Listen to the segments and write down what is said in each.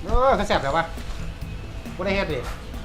เขาแซ่บแล้ววะบ่ได้เฮ็ดดิ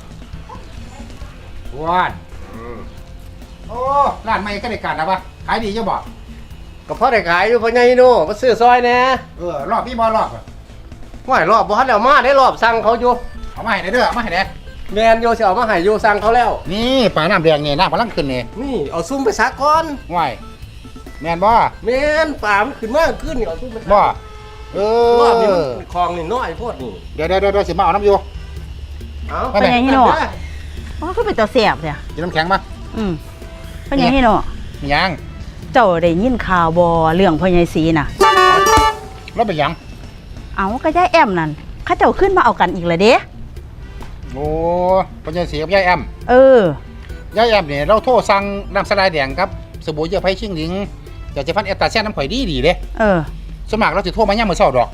ว้านโอ้ร้านใหม่ก็ได้การแล้ววะขายดีจะบอกก็พอได้ขายอยู่พ่อใหญ่โน่มาซื้อซอยแหน่รอบพี่บ่รอบห้วยรอบบ่ทันแล้วมาได้รอบสั่งเขาอยู่เอามาให้ได้เด้อเอามาให้ได้แม่นโยสิเอามาให้อยู่สั่งเขาแล้วนี่ปลาน้ำแดงนี่น้ำกำลังขึ้นนี่นี่เอาซุ่มไปซักก่อนว้ายแม่นบ่แม่นปลามันขึ้นมาขึ้นนี่เอาซุ่มไปซักบ่รอบนี้มันคลองนี่น้อยโพดนี่เดี๋ยวสิมาเอาน้ำอยู่เอาเป็นยังไงโน่อ๋อคือเป็นตัวเสียบเนี่ยกินน้ำแข็งมาเป็นยังไงโน่มีหยังเจ้าได้ยินข่าวบอเรื่องพ่อใหญ่ศรีน่ะรถเป็นหยังเอาก็ย่ายแอมนั่นเข้าเจ้าขึ้นมาเอากันอีกเลยเด้โอ้ปัญญาสีกับยายแอมเออยายแอมเนี่ยเราโทรสั่งน้ำสลายแดงครับสบู่เยื่อไผ่ชิงหลิงอยากจะฟันแอตตาแซ่น้ำข่อยดีเด้เออสมัครเราสิโทรมาย่ามมื้อเช้าดอก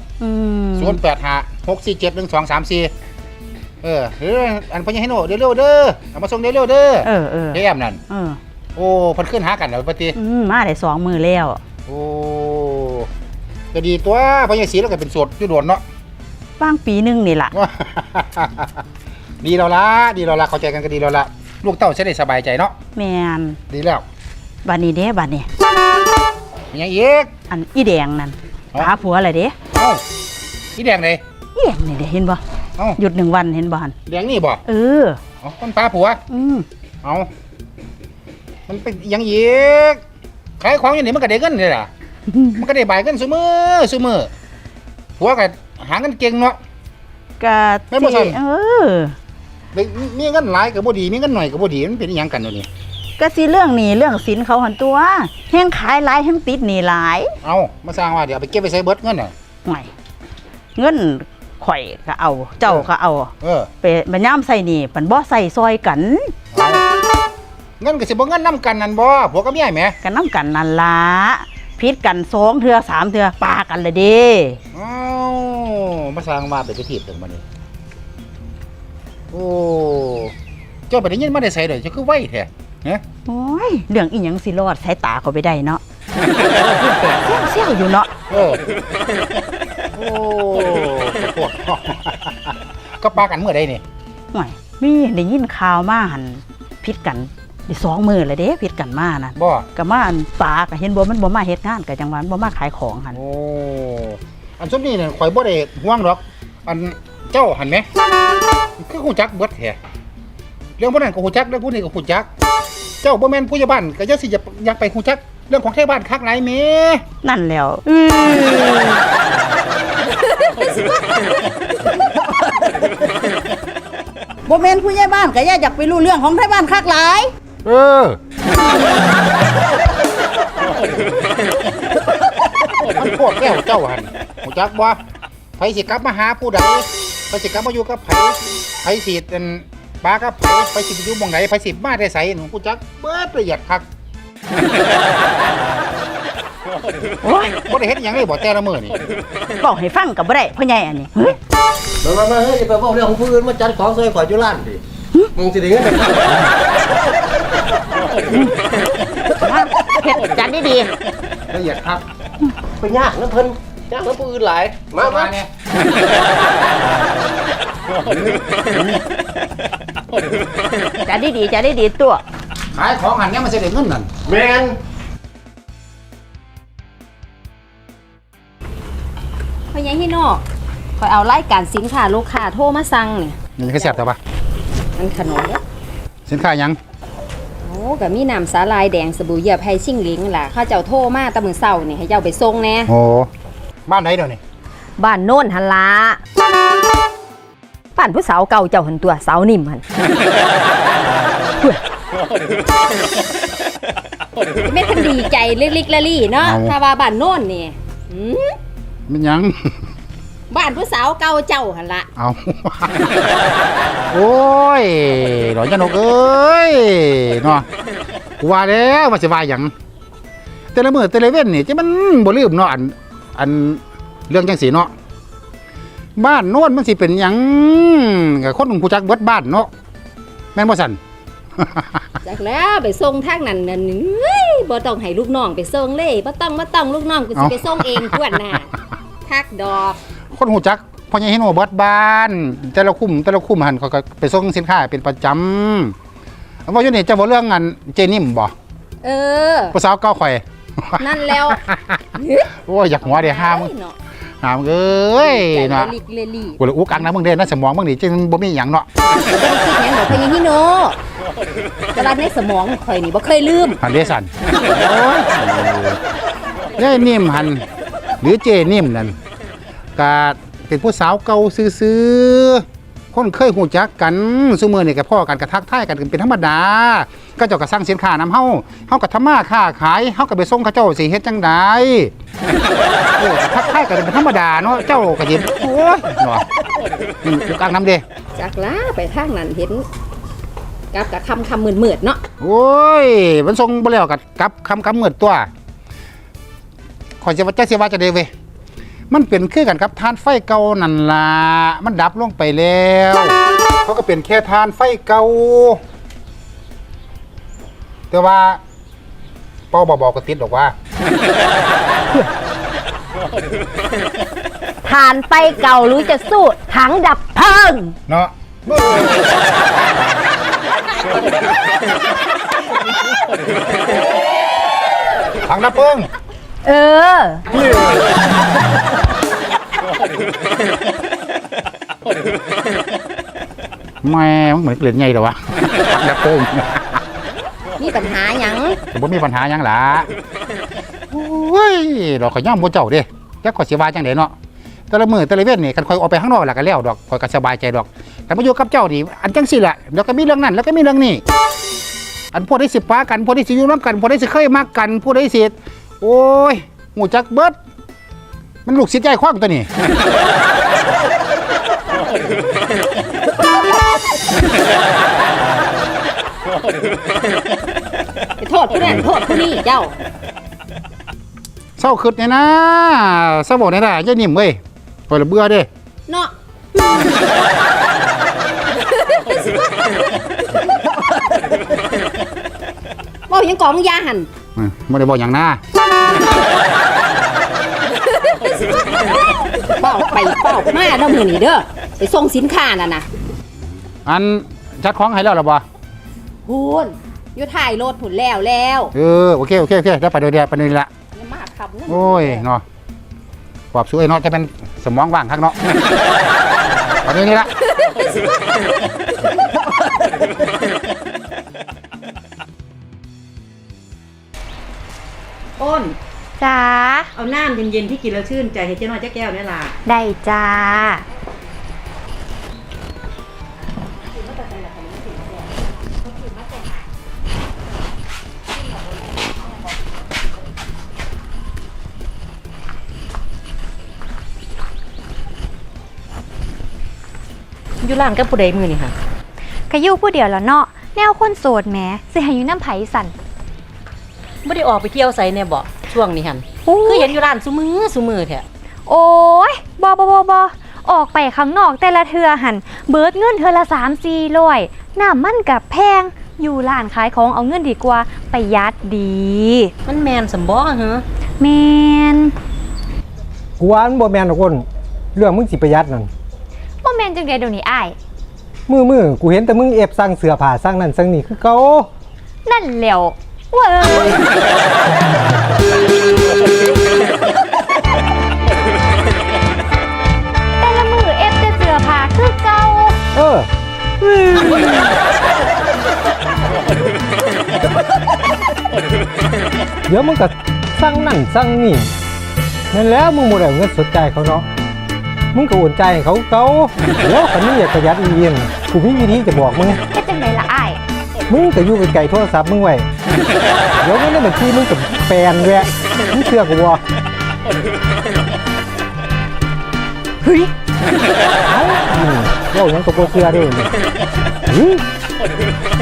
0856471234อันพญาให้โนเร็วๆเด้อเอามาส่งเร็วๆเด้อเออยายแอมนั่นเออโอ้เพิ่นขึ้นหากันแล้วปฏิมาได้2 มือแล้วโอ้ก็ดีตัวพญาศรีเราก็เป็นโสดอยู่โดนเนาะบ้างปีหนึงนี่ล่ะดีแล้วล่ะเข้าใจกันก็ดีแล้วล่ะลูกเต้าจะได้สบายใจเนาะแมนดีแล้วบัดนี้เด้บัดนี้มีหยังอีกอันอีแดงนั่นปลาผัวอะไรเด้เอ้าอีแดงเลยอีแดงนี่เด้เห็นบ่เอ้าหยุด1 วันเห็นบ่หั่นแดงนี่บ่เออเอาต้นปลาผัว เอามันเป็นหยังอีกขายของอย่างนี้มันก็ได้เงินเลยล่ะ มันก็ได้ใบายเงินซุมือผัวก็หาเงินเก่งเนาะก็แม่นบ่ซั่นเออมีเงินหลายก็บ่ดีมีเงินหน่อยก็บ่ดีมันเป็นอีหยังกันเดี๋ยวนี้ก็สิเรื่องหนี้เรื่องสินเขาหันตัวแห้งขายหลายแห้งติดหนี้หลายเอามาสร้างว่าเดี๋ยวเอาไปเก็บไปใช้เบิดเงินน่ะไม่เงินข่อยก็เอา เจ้าก็เอาเออไปมันย่ำใส่หนี้ปันบ่ใส่ซอยกันเอาเงินก็สิบ่เงินนํกันนั่นบ่ผัวกับเมียแหมกันน้ำกันนั่นละพิษกัน2 เทื่อ 3 เทื่อปากันเลยเด้เอามาสร้างว่าไปถีบถึงบัดนี้โอ้เจ้าไปได้ยินมาได้ไสเด้อเจ้าคือไวแท้ฮะโอ้ยเรื่องอีหยังสิรอดสายตาเขาไปได้เนาะ เสี่ยวอยู่เนาะเออโอ้ปวดก็ปากันเมื่อใดนี่ห่วยมีได้ยินข่าวมาหันพิษกันได้2 มื้อเลยเด้พิษกันมานั่นบ่ก็มาอันปลาก็เห็นบ่มันบ่มาเฮ็ดงานก็จังหวะมันบ่มาขายของหั่นโอ้อันซุมนี้เนี่ยข่อยบ่ได้ห่วงหรอก อันเจ้าหันไหมคือฮู้จักเบิดแท้เรื่องพวกนั้นก็ฮู้จักเรื่องพวกนี้ก็ฮู้จัก เจ้าบ่แม่นผู้ใหญ่บ้านก็อย่าสิอยากไปฮู้จักเรื่องของไทบ้านคักหลายแหมนั่นแล้วบ่แม่นผู้ใหญ่บ้านก็อย่าอยากไปรู้เรื่องของไทบ้านคักหลายเออมันโคตรแก้วเจ้าหันฮู้จักบ่ไผสิกลับมาหาผู้ใดไผสิกลับมาอยู่กับไผสิอันปากับไผสิไปอยู่หม่องใดไผสิมาได้ไสหนูฮู้จักเบิดละเอียดคักโอ้ยบ่ได้เฮ็ดหยังเลยบ่แต่ละมื้อนี่บอกให้ฟังก็บ่ได้พ่อใหญ่อันนี้เฮ้ยมาเฮ้ยไปบอกเรื่องของผู้อื่นมาจัดของซอยข่อยอยู่ร้านดิมึงสิได้เงินได้มาเฮ็ดจัดดีละเอียดคักไปยากนะเพิ่นยากนะผู้อื่นหลายมาเนี่ยๆจัดดีตัวขายของหันเนี่ยมันสิได้เงินนั่นแม่นพ่อใหญ่ฮิโน่คอยเอารายการสินค้าลูกค้าโทรมาสั่งนี่นี่คือแซ่บแต่ว่ามันขนมเด้อสินค้าหยังโอ้ก็มีน้ำสาลายแดงสบู่เหยียบไผ่ชิงหลิงล่ะเขาเจ้าโทรมาแตะมื้อเช้านี่ให้เจ้าไปส่งแหน่โอ้บ้านไหนเดี๋ยวนี้บ้านโน่นหั่นล่ะบ้านผู้สาวเก่าเจ้าหั่นตัวสาวนิ่มหั่นแม่คันดีใจลิกๆละลี่เนาะถ้าว่าบ้านโน่นนี่หืมมันหยังบ้านผู้สาวเก่าเจ้าหั่นล่ะเอา โอ้ยหลอนจันกเอ้ยเนาะกูว่าแล้วว่าสิว่าหยังแต่ละมื้อแต่ละเว้นนี่จะมันบ่ลืมเนาะอันเรื่องจังสีเนาะบ้านโน้นมันสิเป็นหยังก็คนฮู้จักเบิดบ้านเนาะแม่นบ่ซั่นจากแล้วไปส่งทางนั้นนั่นเฮ้ยบ่ต้องให้ลูกน้องไปส่งเลยบ่ต้องลูกน้องกูสิไปส่งเองทวนน่ะทักดอกคนฮู้จักพอใหญ่ฮิโนเบิดบ้านแต่ละคุ้มหันเขาก็ไปส่งสินค้าเป็นประจำว่าอยู่นี่จะบ่เรื่องงานเจนิ่มบ่เออผู้สาวเก่าข่อยนั่นแล้วโอ้ยอยากหัวเด้ห้ามเนาะเอ้ยใจเนาะลิกเลลี่กูเลยอุกอักนะมึงเด้นะสมองมึงนี่จึงบ่มีหยังเนาะคิดหยังดอกพญาฮิโนแต่ว่าในสมองข่อยนี่บ่เคยลืมหันเดสันโอ้ยยายนิ่มหันหรือเจนิ่มนั่นก็เป็นผู้สาวเก่าซื่อๆคนเคยหูจักกันซุมื้อนี่ก็พ้อกันก็ทักทายกันเป็นธรรมดาก็เจ้าก็สั่งสินค้านำเฮาก็ทำมาค้าขายเฮาก็ไปส่งเขาเจ้าสิเฮ็ดจังไดทักทายกันเป็นธรรมดาเนาะเจ้าก็สิโอ้ยเนาะอุกอักนำเด้จากลาไปทางนั้นเห็นกับคำมืดๆเนาะโอ้ยมันส่งบ่แล้วกับคำเหมือนตัวขอยจะว่าจะได้เว้ยมันเป็นคือกันกับทานไฟเก่านั่นล่ะมันดับลงไปแล้วเขาก็เป็นแค่ทานไฟเก่าแต่ว่าปอบอกก็ติดหรอกว่าทานไฟเก่าหรือจะสู้ถังดับเพลิงเนาะถังดับเพลิงเออแม่มันเหมือนเกลือนใหญ่เหรอวะถังดับเพลิงมีปัญหาหยังแต่บ่มีปัญหาหยังล่ะโอ้ยเราขอย่อมบ่เจ้าเด้จักขอยสิว่าจังได๋เนาะแต่ละมื้อแต่ละเว้นนี่คันข่อยออกไปข้างนอกแล้วก็แล้วดอกข่อยก็สบายใจดอกแต่มาอยู่กับเจ้านี่อันจังซี่ล่ะเดี๋ยวก็มีเรื่องนั้นแล้วก็มีเรื่องนี้อันพวกได้สิปากันพวกได้สิอยู่นำกันพวกได้สิเคยมักกันพวกได้สิโอ้ยหูจักเบิดมันลูกศิษย์ใหญ่ขว้างตัวนี้ไปโทษผู้นั้นโทษผู้นี้เจ้าเศร้าคิดเนี่ยนะเศร้าบอกเนี่ยนะอย่านิ่มเว้ยข่อยละเบื่อเด้เนาะบอกยังกองยาหันไม่ได้บอกอย่างหน้าเป้าไปเป้ามาเด้อมื้อนี้เด้อไปส่งสินค้านั่นน่ะอันจัดของให้แล้วหรอบ่พูนอยู่ถ่ายรถผุนแล้วโอเคได้ไปเดี๋ยวไปนี่ละอย่ามาขับนะโอ้ยเนาะปอบสวยเนาะจะเป็นสมองว่างข้างเนาะไปนี่ละอ้นจ้าเอาน้ำเย็นๆที่กินแล้วชื่นใจให้เจ๊น้อยเจ๊แก้วเนี่ยล่ะได้จ้าอยู่ร้านกับผู้ใดมือนี่ค่ะกะยู่ผู้เดียวแล้วเนาะแนวคนโสดแหมสิให้อยู่น้ำไผสันไม่ได้ออกไปเที่ยวไสเนี่ยบ่ช่วงนี้หันโอ้ยคือเห็นอยู่ร้านซุมือแท้โอ้ยบออกไปข้างนอกแต่ละเทือหันเบิดเงินเทือละ3-400น้ำมันกับแพงอยู่ร้านขายของเอาเงินดีกว่าประหยัดดีมันแมนสมบ่เหรอแมนกูว่ามันบ่แม่นดอกคนเรื่องมึงสิประหยัดนั่นว่าแมนจังไดเดี๋ยวนี้อ้ายมือกูเห็นแต่มึงเอฟสั่งเสื้อผ้าสั่งนั่นสั่งนี่คือเก่านั่นแหล้วเว้ยแต่ละมือเอฟแต่เสื้อผ้าคือเก่าเออเดี๋ยวมึงก็สั่งนั่นสั่งนี่นั่นแล้วมึงบ่ได้เอาเงินสดใจายเขาเนาะมึงก็โอนใจายให้เขาเก่าเดี๋ยวคันนี้อยากประหยัดอีเอียนกูมีวิธีจะบอกมึงเฮ็ดจังไดล่ะอ้ายมึงก็อยู่ไกลๆโทรศัพท์มึงไว้เดี๋ยวเงินในบัญชีมึงกับแปลนแวะมึงเชื่อกูบ่เฮ้ยเอ้าเว้าหยังก็บ่เชื่อเด้อ